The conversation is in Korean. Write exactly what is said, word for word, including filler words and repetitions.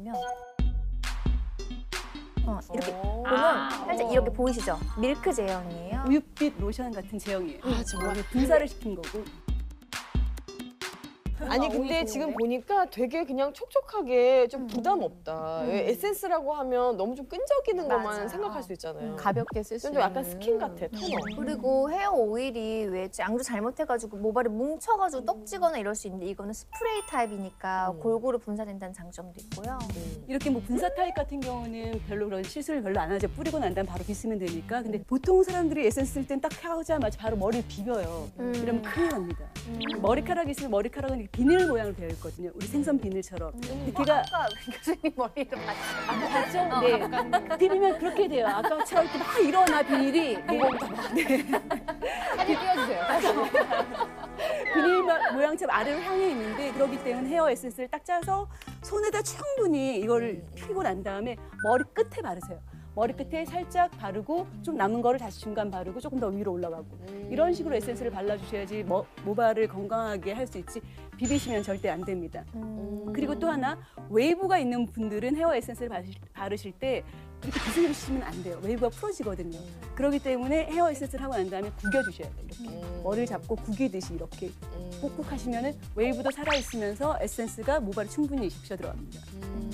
보시면 어, 이렇게 오. 보면 아. 살짝 이렇게 보이시죠? 밀크 제형이에요. 우윳빛 로션 같은 제형이에요. 아, 정말? 분사를 시킨 거고. 아니 근데 지금 보니까 되게 그냥 촉촉하게 좀 부담 없다. 음. 왜 에센스라고 하면 너무 좀 끈적이는 것만 맞아요. 생각할 수 있잖아요. 음. 가볍게 쓸 수 좀 있는. 약간 스킨 같아, 토너. 그리고 헤어 오일이 왜 양조 잘못해가지고 모발이 뭉쳐가지고 떡지거나 이럴 수 있는데 이거는 스프레이 타입이니까 음. 골고루 분사된다는 장점도 있고요. 이렇게 뭐 분사 타입 같은 경우는 별로 그런 시술을 별로 안 하죠. 뿌리고 난 다음에 바로 빗으면 되니까. 근데 보통 사람들이 에센스 쓸 땐 딱 하자마자 바로 머리를 비벼요. 음. 이러면 큰일 납니다. 음. 머리카락이 있으면 머리카락은 이렇게 비늘 모양으로 되어 있거든요. 우리 생선 비늘처럼. 근데 걔가 아까 교수님 머리를 봤죠? 아까 봤죠? 네. 비비면 그렇게 돼요. 아까처럼 이렇게 막 일어나 비닐이. 네. 사진 띄워주세요. 비닐 마- 모양처럼 아래로 향해 있는데 그렇기 때문에 헤어 에센스를 딱 짜서 손에다 충분히 이거를 피고 난 다음에 머리 끝에 바르세요. 머리 끝에 살짝 바르고 좀 남은 거를 다시 중간 바르고 조금 더 위로 올라가고 이런 식으로 에센스를 발라주셔야지 모, 모발을 건강하게 할 수 있지 비비시면 절대 안 됩니다. 음. 그리고 또 하나 웨이브가 있는 분들은 헤어 에센스를 바르실, 바르실 때 이렇게 비스듬히시면 안 돼요. 웨이브가 풀어지거든요. 그렇기 때문에 헤어 에센스를 하고 난 다음에 구겨주셔야 돼요. 이렇게 음. 머리를 잡고 구기듯이 이렇게 음. 꾹꾹 하시면은 웨이브도 살아있으면서 에센스가 모발에 충분히 적셔 들어갑니다. 음.